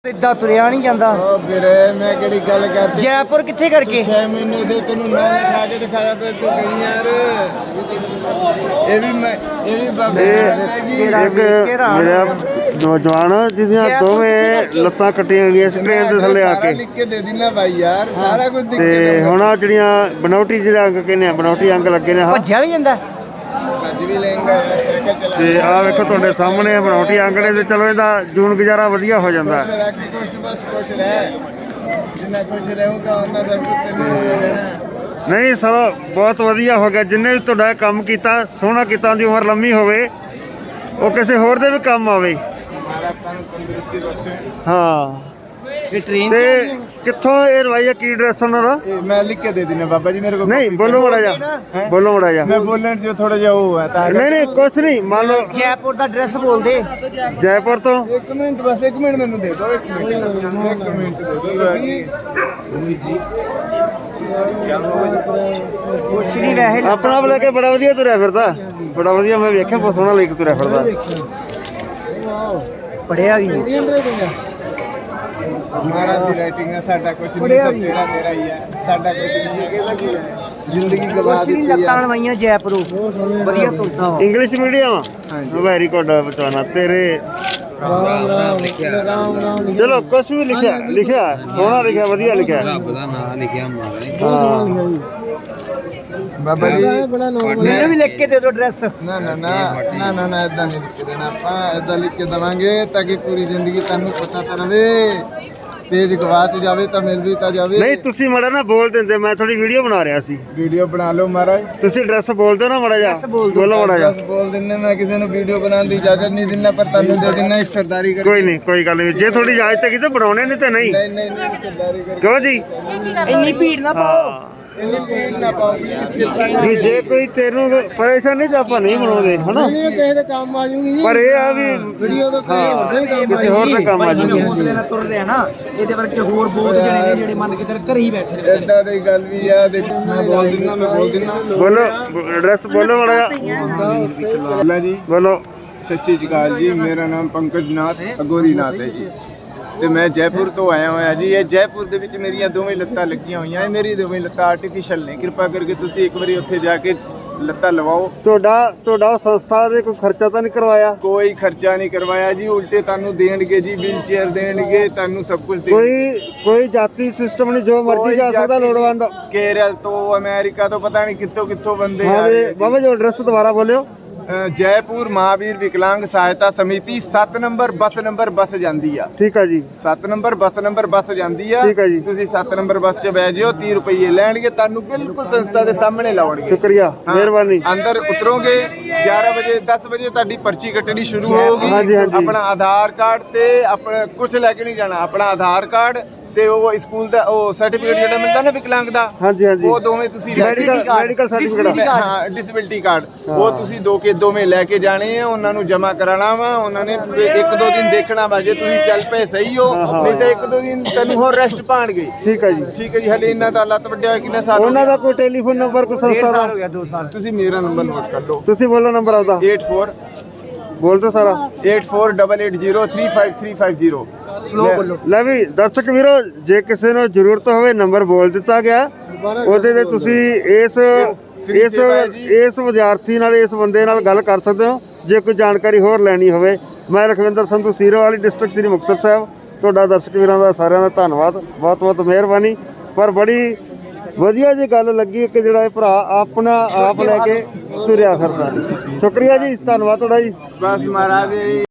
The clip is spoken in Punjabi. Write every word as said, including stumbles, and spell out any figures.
इदा तुरिया नहीं जाता ਵੀਰੇ ਮੈਂ ਕਿਹੜੀ ਗੱਲ ਕਰਦੀ जयपुर किथे करके छह ਮਹੀਨੇ ਦੇ ਤੈਨੂੰ ਨਾਂ ਲਿਖਾ ਕੇ ਦਿਖਾਇਆ ਤੇ ਤੂੰ ਕਹੀਂ ਯਾਰ ਇਹ ਵੀ ਮੈਂ ਇਹ ਵੀ ਬਾਬੇ ਇੱਕ ਮੇਰਾ ਨੌਜਵਾਨ ਜਿਹਦੀਆਂ ਦੋਵੇਂ ਲੱਤਾਂ ਕੱਟੀਆਂ ਗਈਆਂ ਸੀ ਟ੍ਰੇਨ ਦੇ ਥੱਲੇ ਆ ਕੇ ਲਿਖ ਕੇ ਦੇ ਦਿਨਾ ਭਾਈ ਯਾਰ ਸਾਰਾ ਕੁਝ ਦਿਖ ਕੇ ਤੇ ਹੁਣ ਆ ਜਿਹੜੀਆਂ ਬਨੌਟੀ ਜਿਹੜੇ ਅੰਗ ਕਹਿੰਦੇ ਆ ਬਨੌਟੀ ਅੰਗ ਲੱਗੇ ਨੇ ਆਹ भज्या भी जाता ਅੱਜ ਵੀ ਲੈਂਗਾ ਸਾਈਕਲ ਚਲਾ ਤੇ ਆ ਵੇਖੋ ਤੁਹਾਡੇ ਸਾਹਮਣੇ ਬਨੌਟੀ ਅੰਗ ਨੇ ਤੇ ਚਲੋ ਇਹਦਾ ਜੂਨ ਗੁਜ਼ਾਰਾ ਵਧੀਆ ਹੋ ਜਾਂਦਾ ਖੁਸ਼ ਰੱਖ ਖੁਸ਼ ਬਸ ਖੁਸ਼ ਰਹਿ ਜਿੰਨਾ ਖੁਸ਼ ਰਹੂਗਾ ਉਹਨਾਂ ਦਾ ਕੁਝ ਤੈਨੂੰ ਰਹਿਣਾ ਨਹੀਂ ਸਰ ਬਹੁਤ ਵਧੀਆ ਹੋ ਗਿਆ ਜਿੰਨੇ ਵੀ ਤੁਹਾਡਾ ਕੰਮ ਕੀਤਾ ਸੋਹਣਾ ਕੀਤਾ ਦੀ ਉਮਰ ਲੰਮੀ ਹੋਵੇ ਉਹ ਕਿਸੇ ਹੋਰ ਦੇ ਵੀ ਕੰਮ ਆਵੇ ਮਾਰਾ ਤਨ ਤੰਦਰੁਸਤੀ ਬਖਸ਼ੇ ਹਾਂ ये ट्रेन ਤੇ ਕਿੱਥੋਂ ਇਹ ਰਵਾਈਆ ਕੀ ਡਰੈਸ ਉਹਨਾਂ ਦਾ ਇਹ ਮੈਂ ਲਿਖ ਕੇ ਦੇ ਦਿਨਾ ਬਾਬਾ ਜੀ ਮੇਰੇ ਕੋਲ ਨਹੀਂ ਬੋਲੋ ਮੜਾ ਜਾ ਬੋਲੋ ਮੜਾ ਜਾ ਮੈਂ ਬੋਲਣ ਜੋ ਥੋੜਾ ਜਿਹਾ ਉਹ ਹੈ ਤਾਂ ਨਹੀਂ ਨਹੀਂ ਕੁਛ ਨਹੀਂ ਮੰਨ ਲਓ जयपुर का ड्रेस बोल दे ਜੈਪੁਰ ਤੋਂ ਇੱਕ ਮਿੰਟ ਬਸ ਇੱਕ ਮਿੰਟ ਮੈਨੂੰ ਦੇ ਦਿਓ ਇੱਕ ਮਿੰਟ ਇੱਕ ਮਿੰਟ ਦੇ ਦਿਓ कुछ नहीं वैसे ਆਪਣਾ ਆਪ ਲੈ ਕੇ ਬੜਾ ਵਧੀਆ ਤੁਰਿਆ ਫਿਰਦਾ ਬੜਾ ਵਧੀਆ ਮੈਂ ਵੇਖਿਆ ਬਹੁਤ ਸੋਹਣਾ ਲੈ ਕੇ ਤੁਰਿਆ ਫਿਰਦਾ पढ़िया भी ਮਹਾਰਾਜ ਦੀ ਰਾਈਟਿੰਗ ਹੈ ਸਾਡਾ ਕੁਛ ਨਹੀਂ ਸਭ ਤੇਰਾ ਤੇਰਾ ਹੀ ਹੈ ਸਾਡਾ ਕੁਛ ਨਹੀਂ ਹੈ ਕਿ ਜ਼ਿੰਦਗੀ ਗਵਾ कुछ नहीं ਦਿੱਤੀ लत्तां ਹੈ लवाइयां जयपुरों वधिया तुरदा वा ਇੰਗਲਿਸ਼ ਮੀਡੀਅਮ ਵੈਰੀ ਗੁੱਡ ਬਚਾਣਾ ਤੇਰੇ ਰਾਮ ਰਾਮ ਰਾਮ ਰਾਮ ਚਲੋ ਕੁਛ ਵੀ ਲਿਖਿਆ ਲਿਖਿਆ ਸੋਹਣਾ ਲਿਖਿਆ ਵਧੀਆ ਲਿਖਿਆ ਰੱਬ ਦਾ ਨਾਮ ਲਿਖਿਆ ਮਹਾਰਾਜ ਬਾਬਾ ਜੀ मैंने भी लिख के दे दो ड्रेस ਨਾ ਨਾ ਨਾ ਨਾ ਨਾ ਨਾ ਇਦਾਂ ਨਹੀਂ ਲਿਖ ਕੇ ਦੇਣਾ ਆਪਾਂ ਇਦਾਂ ਲਿਖ ਕੇ ਦਵਾਂਗੇ ਤਾਂ ਕਿ ਪੂਰੀ ਜ਼ਿੰਦਗੀ ਤੁਹਾਨੂੰ ਪਤਾ ਤਾਂ ਰਵੇ ਪੇਜ ਗਵਾਚ ਜਾਵੇ ਤਾਂ ਮਿਲ ਵੀ ਤਾਂ ਜਾਵੇ ਨਹੀਂ ਤੁਸੀਂ ਮੜਾ ਨਾ ਬੋਲ ਦਿੰਦੇ ਮੈਂ ਥੋੜੀ ਵੀਡੀਓ ਬਣਾ ਰਿਹਾ ਸੀ ਵੀਡੀਓ ਬਣਾ ਲਓ ਮਹਾਰਾਜ ਤੁਸੀਂ ਡਰੈਸ ਬੋਲ ਦਿਓ ਨਾ ਮੜਾ ਜਾ ਬੋਲ ਦਿਓ। ਬੋਲੋ ਮੜਾ ਜਾ ਬਸ ਬੋਲ ਦਿੰਨੇ ਮੈਂ ਕਿਸੇ ਨੂੰ ਵੀਡੀਓ ਬਣਾਉਣ ਦੀ ਇਜਾਜ਼ਤ ਨਹੀਂ ਦਿੰਦਾ ਪਰ ਤੁਹਾਨੂੰ ਦੇ ਦਿੰਨਾ ਇੱਕ ਸਰਦਾਰੀ ਕਰ ਕੋਈ ਨਹੀਂ ਕੋਈ ਗੱਲ ਨਹੀਂ ਜੇ ਥੋੜੀ ਇਜਾਜ਼ਤ ਹੈਗੀ ਤਾਂ ਬਣਾਉਣੇ ਨਹੀਂ ਤੇ ਨਹੀਂ ਨਹੀਂ ਨਹੀਂ ਨਹੀਂ ਸਰਦਾਰੀ ਕਰ ਕਿਉਂ ਜੀ इन्नी भीड़ ना पाओ ਹਾਂ ਇੰਨੀ ਭੀੜ ਨਾ ਪਾਓ ਪਲੀਜ਼ ਵੀ ਜੇ ਕੋਈ ਤੈਨੂੰ ਪਰੇਸ਼ਾਨ ਨਹੀਂ ਤਾਂ ਆਪਾਂ ਨਹੀਂ ਬਣਾਉਂਦੇ ਹਨਾ ਨਹੀਂ ਕਿਸੇ ਦੇ ਕੰਮ ਆ ਜੂਗੀ ਪਰ ਇਹ ਆ ਵੀ ਵੀਡੀਓ ਤਾਂ ਕਿਸੇ ਹੋਰ ਦੇ ਵੀ ਕੰਮ ਕਿਸੇ ਹੋਰ ਦਾ ਕੰਮ ਆ ਜੀ ਹੌਸਲੇ ਨਾਲ ਤੁਰ ਰਿਹਾ ਨਾ ਇਹਦੇ ਵਰਗੇ ਹੋਰ ਬਹੁਤ ਜਣੇ ਨੇ ਜਿਹੜੇ ਮੰਨ ਕੇ ਤੇਰੇ ਘਰੇ ਹੀ ਬੈਠੇ ਨੇ ਏਦਾਂ ਦੀ ਗੱਲ ਵੀ ਆ ਦੇਖੋ ਮੈਂ ਬੋਲ ਦਿੰਦਾ ਮੈਂ ਬੋਲ ਦਿੰਦਾ ਬੋਲੋ ਐਡਰੈਸ ਬੋਲੋ ਮੜਾ ਬੋਲਾ ਜੀ ਬੋਲੋ ਸਤਿ ਸ਼੍ਰੀ ਅਕਾਲ ਜੀ ਮੇਰਾ ਨਾਮ ਪੰਕਜ ਨਾਥ ਅਗੋਰੀ ਨਾਥ ਹੈ ਜੀ ਤੇ ਮੈਂ ਜੈਪੁਰ ਤੋਂ ਆਇਆ ਹੋਇਆ ਜੀ ਇਹ ਜੈਪੁਰ ਦੇ ਵਿੱਚ ਮੇਰੀਆਂ ਦੋਵੇਂ ਲੱਤਾਂ ਲੱਗੀਆਂ ਹੋਈਆਂ ਇਹ ਮੇਰੀ ਦੋਵੇਂ ਲੱਤਾਂ ਆਰਟੀਫੀਸ਼ੀਅਲ ਨੇ ਕਿਰਪਾ ਕਰਕੇ ਤੁਸੀਂ ਇੱਕ ਵਾਰੀ ਉੱਥੇ ਜਾ ਕੇ ਲੱਤਾਂ ਲਵਾਓ ਤੁਹਾਡਾ ਤੁਹਾਡਾ ਸੰਸਥਾ ਦੇ ਕੋਈ ਖਰਚਾ ਤਾਂ ਨਹੀਂ ਕਰਵਾਇਆ ਕੋਈ ਖਰਚਾ ਨਹੀਂ ਕਰਵਾਇਆ ਜੀ ਉਲਟੇ ਤੁਹਾਨੂੰ ਦੇਣਗੇ ਜੀ ਵੀਲ ਚੇਅਰ ਦੇਣਗੇ ਤੁਹਾਨੂੰ ਸਭ ਕੁਝ ਦੇਣਗੇ ਕੋਈ ਕੋਈ ਜਾਤੀ ਸਿਸਟਮ ਨਹੀਂ ਜੋ ਮਰਜ਼ੀ ਜਾ ਸਕਦਾ ਲੋੜਵੰਦ ਕੇਰਲ ਤੋਂ ਅਮਰੀਕਾ ਤੋਂ ਪਤਾ ਨਹੀਂ ਕਿੱਥੋਂ ਕਿੱਥੋਂ ਬੰਦੇ ਆ ਹਾਂ ਰਹੇ ਜੀ ਆ ਜੀ। ਬਾਬਾ ਜੀ ਐਡਰੈਸ ਦੁਬਾਰਾ ਬੋਲਿਓ ਅ, ਜੈਪੁਰ ਮਹਾਵੀਰ ਵਿਕਲਾਂਗ ਸਹਾਇਤਾ ਸਮਿਤੀ ਸੱਤ ਨੰਬਰ ਬੱਸ ਨੰਬਰ ਬੱਸ ਜਾਂਦੀ ਆ ਠੀਕ ਆ ਜੀ ਸੱਤ ਨੰਬਰ ਬੱਸ ਨੰਬਰ ਬੱਸ ਜਾਂਦੀ ਆ ਠੀਕ ਆ ਜੀ। ਤੁਸੀਂ ਸੱਤ ਨੰਬਰ ਬੱਸ 'ਚ ਬਹਿ ਜਿਓ ਤੀਹ ਰੁਪਏ ਲੈਣਗੇ ਤੁਹਾਨੂੰ ਬਿਲਕੁਲ ਸੰਸਥਾ ਦੇ ਸਾਹਮਣੇ ਲਾਉਣਗੇ ਸ਼ੁਕਰੀਆ ਹਾਂ, ਮਿਹਰਬਾਨੀ ਅੰਦਰ ਉਤਰੋਗੇ ਗਿਆਰਾਂ ਵਜੇ ਦਸ ਵਜੇ ਤੁਹਾਡੀ ਪਰਚੀ ਕੱਟਣੀ ਸ਼ੁਰੂ ਹੋਊਗੀ ਹਾਂਜੀ, ਹਾਂਜੀ। ਆਪਣਾ ਆਧਾਰ ਕਾਰਡ ਤੇ ਆਪਣਾ ਕੁਝ ਲੈ ਕੇ ਨਹੀਂ ਜਾਣਾ ਆਪਣਾ ਆਧਾਰ ਕਾਰਡ ਤੇ ਉਹ ਸਕੂਲ ਦਾ ਉਹ ਸਰਟੀਫਿਕੇਟ ਜਿਹੜਾ ਮਿਲਦਾ ਨਾ ਵਿਕਲਾਂਗ ਦਾ ਹਾਂਜੀ ਹਾਂਜੀ ਉਹ ਦੋਵੇਂ ਤੁਸੀਂ ਲੈ ਕੇ ਮੈਡੀਕਲ ਮੈਡੀਕਲ ਸਰਟੀਫਿਕੇਟ ਹਾਂ ਡਿਸੇਬਿਲਟੀ ਕਾਰਡ ਉਹ ਤੁਸੀਂ ਦੋ ਕੇ ਦੋਵੇਂ ਲੈ ਕੇ ਜਾਣੇ ਆ ਉਹਨਾਂ ਨੂੰ ਜਮ੍ਹਾਂ ਕਰਾਉਣਾ ਵਾ ਉਹਨਾਂ ਨੇ ਇੱਕ ਦੋ ਦਿਨ ਦੇਖਣਾ ਵਾ ਜੇ ਤੁਸੀਂ ਚੱਲ ਪਏ ਸਹੀ ਹੋ ਨਹੀਂ ਤਾਂ ਇੱਕ ਦੋ ਦਿਨ ਤੈਨੂੰ ਹੋਰ ਰੈਸਟ ਪਾਣਗੇ ਠੀਕ ਹੈ ਜੀ ਠੀਕ ਹੈ ਜੀ ਹਲੇ ਇਹਨਾਂ ਦਾ ਲੱਤ ਵੱਡਿਆ ਹੋਇਆ ਕਿੰਨਾ ਸਾਲ ਹੋ ਉਹਨਾਂ ਗਿਆ? ਦਾ ਕੋਈ ਟੈਲੀਫੋਨ ਨੰਬਰ ਕੋਈ ਸੰਸਥਾ ਦਾ हो गया दो साल ਤੁਸੀਂ ਮੇਰਾ ਨੰਬਰ ਨੋਟ ਕਰ ਲਓ ਤੁਸੀਂ ਬੋਲੋ ਨੰਬਰ ਆਪਦਾ eight four ਬੋਲ ਦਿਓ ਸਾਰਾ eight four eight eight zero three five three five zero slow बोलो ਲੈ ਵੀ ਦਰਸ਼ਕ ਵੀਰੋ ਜੇ ਕਿਸੇ ਨੂੰ ਜ਼ਰੂਰਤ ਹੋਵੇ ਨੰਬਰ ਬੋਲ ਦਿੱਤਾ ਗਿਆ ਉਹਦੇ ਤੇ ਤੁਸੀਂ ਇਸ ਇਸ ਇਸ ਵਿਦਿਆਰਥੀ ਨਾਲ ਇਸ ਬੰਦੇ ਨਾਲ ਗੱਲ ਕਰ ਸਕਦੇ ਹੋ ਜੇ ਕੋਈ ਜਾਣਕਾਰੀ ਹੋਰ ਲੈਣੀ ਹੋਵੇ ਮੈਂ ਲਖਵਿੰਦਰ ਸੰਧੂ ਸੀਰੋਵਾਲੀ ਡਿਸਟ੍ਰਿਕਟ ਸ੍ਰੀ ਮੁਕਤਸਰ ਸਾਹਿਬ ਤੁਹਾਡਾ ਦਰਸ਼ਕ ਵੀਰਾਂ ਦਾ ਸਾਰਿਆਂ ਦਾ ਧੰਨਵਾਦ ਬਹੁਤ ਬਹੁਤ ਮਿਹਰਬਾਨੀ ਪਰ ਬੜੀ ਵਧੀਆ ਜੀ ਗੱਲ ਲੱਗੀ ਕਿ ਜਿਹੜਾ ਇਹ ਭਰਾ ਆਪਣਾ ਆਪ ਲੈ ਕੇ ਤੁਰਿਆ ਫਿਰਦਾ ਸ਼ੁਕਰੀਆ ਜੀ ਧੰਨਵਾਦ ਤੁਹਾਡਾ ਜੀ ਬਸ ਮਹਾਰਾਜ